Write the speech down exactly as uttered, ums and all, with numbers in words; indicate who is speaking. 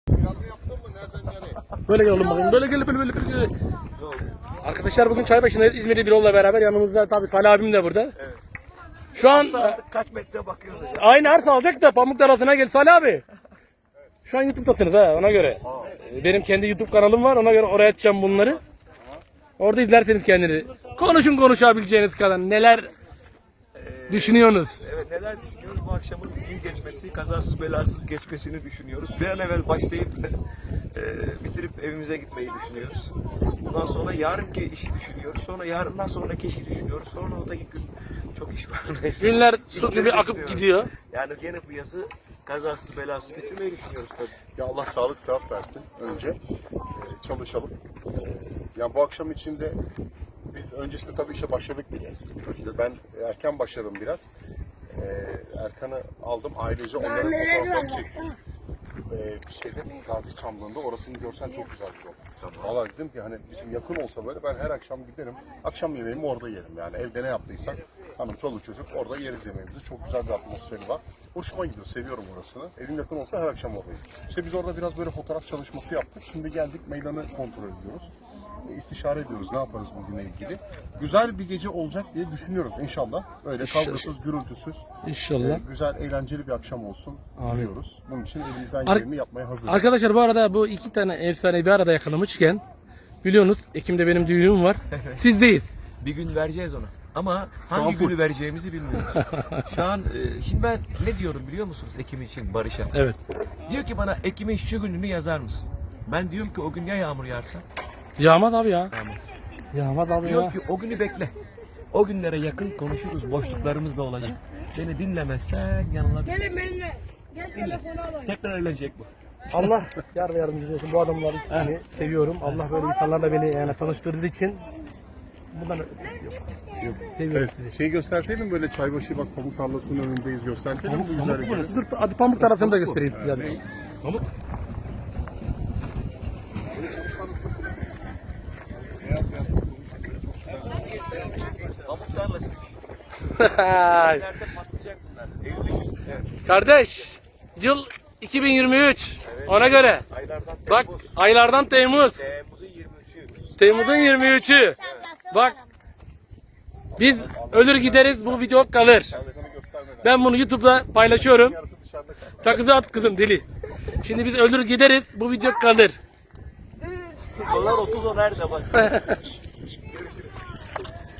Speaker 1: Böyle gel oğlum bakayım. Böyle gel böyle böyle böyle. Arkadaşlar bugün Çaybaşı'ndayız. İzmir'de bir yolla beraber. Yanımızda tabii Salih abim de burada. Evet. Şu an
Speaker 2: kaç metre bakıyoruz hocam?
Speaker 1: aynı arsa alacak da Pamuk tarafına gel Salih abi. Şu an YouTube'dasınız ha ona göre. Benim kendi YouTube kanalım var ona göre oraya açacağım bunları. Orada izlerseniz kendini. Konuşun konuşabileceğiniz kadar neler ee, düşünüyorsunuz.
Speaker 2: Evet neler düşünüyoruz? Bu akşamın iyi geçmesi, kazasız belasız geçmesini düşünüyoruz. Bir an evvel başlayıp e, bitirip evimize gitmeyi düşünüyoruz. Bundan sonra yarınki işi düşünüyoruz. Sonra yarından sonraki işi düşünüyoruz. Sonra oradaki gün çok iş var. Neyse.
Speaker 1: Günler su gibi akıp gidiyor.
Speaker 2: Yani gene bu yazı kazasız belasız bitirmeyi düşünüyoruz tabii.
Speaker 3: Ya Allah sağlık sıhhat versin önce. Ee, çalışalım. Ee, yani bu akşam içinde biz öncesinde tabii işe başladık bile. İşte ben erken başladım biraz. Ee, Erkan'ı aldım ailece onların fotoğraflarını çeksin. Ee, bir şeyde Gazi Çamlığı'nda orasını görsen çok güzel bir yol. Tamam. Valla dedim ki hani bizim yakın olsa böyle ben her akşam giderim. Akşam yemeğimi orada yerim yani evde ne yaptıysak hanım çoluk çocuk orada yeriz yemeğimizi. Çok güzel bir atmosferi var. Hoşuma gidiyor, seviyorum orasını. Evim yakın olsa her akşam oradayım. İşte biz orada biraz böyle fotoğraf çalışması yaptık. Şimdi geldik meydanı kontrol ediyoruz. İstişare ediyoruz ne yaparız bugünle ilgili. Güzel bir gece olacak diye düşünüyoruz inşallah. Öyle kavgasız, gürültüsüz.
Speaker 1: İnşallah.
Speaker 3: E, güzel, eğlenceli bir akşam olsun diliyoruz. Bunun için elimizden
Speaker 1: Ar-
Speaker 3: geleni yapmaya hazırız.
Speaker 1: Arkadaşlar bu arada bu iki tane efsane bir arada yakalamışken biliyorsunuz Ekim'de benim düğünüm var. Sizdeyiz.
Speaker 2: Bir gün vereceğiz ona. Ama hangi günü vereceğimizi bilmiyoruz. Şu an e, şimdi ben ne diyorum biliyor musunuz Ekim için Barış'a?
Speaker 1: Evet.
Speaker 2: Diyor ki bana Ekim'in şu gününü yazar mısın? Ben diyorum ki o gün ya yağmur yağarsa?
Speaker 1: Yağmaz abi ya.
Speaker 2: Yağmaz.
Speaker 1: Yağmaz abi
Speaker 2: Diyor
Speaker 1: ya.
Speaker 2: ki o günü bekle. O günlere yakın konuşuruz. Boşluklarımız da olacak. Beni dinlemezsen yanılabilirsin.
Speaker 4: Gelin benimle. Gel telefonu alayım.
Speaker 2: Tekrar eğlenecek bu.
Speaker 1: Allah yar ve yardımcı olsun. Bu adamları yani seviyorum. Allah böyle insanlarla beni yani tanıştırdığı için bundan ötesi yok. Seviyorum sizi.
Speaker 3: Şey gösterseydim böyle Çaybaşı bak pamuk tarlasının önündeyiz gösterseydim bu güzel bir
Speaker 1: Dur hadi Pamuk tarafını da göstereyim size. Hadi.
Speaker 2: Pamuk. Pamuk tarlası. Nerede patlayacak bunlar? Eylül, evet.
Speaker 1: Kardeş yıl iki bin yirmi üç ona göre.
Speaker 2: Aylardan
Speaker 1: Bak
Speaker 2: Temmuz.
Speaker 1: aylardan Temmuz.
Speaker 2: Temmuz'un yirmi üçü.
Speaker 1: Temmuz'un yirmi üçü. Bak biz ölür gideriz bu video kalır. Ben bunu YouTube'da paylaşıyorum. Sakızı at kızım deli. Şimdi biz ölür gideriz bu video kalır.
Speaker 2: Dolar otuz o nerede bak.